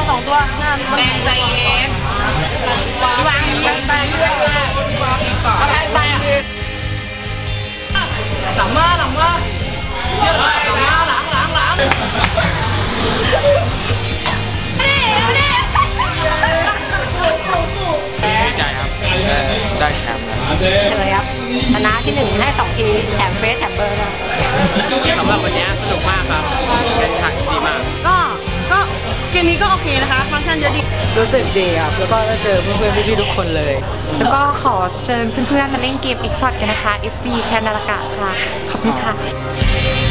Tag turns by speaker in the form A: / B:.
A: 2 ตัวหน้าแดงใจเย็นวางแปลงด้วยเอาแพงไปอ่ะหลังมาเยอะเลยหลัง
B: ดีใจครับได้แชมป์
C: เลยครับชนะที่1ให้2 ทีแถมเฟสแถมเบอร์นะ
B: สำหรับวันนี้สนุกมากครับเป็นขันดีมาก
A: ก็เกมนี้ก็โอเคนะคะฟังก์ชันเยอะดี
D: รู้สึกดีครับแล้วก็ได้เจอเพื่อนๆพี่ๆทุกคนเลย
C: แล้วก็ขอเชิญเพื่อนๆมาเล่นเกมอีกช็อตกันนะคะ FB แคนนาลากะค่ะขอบคุณค่ะ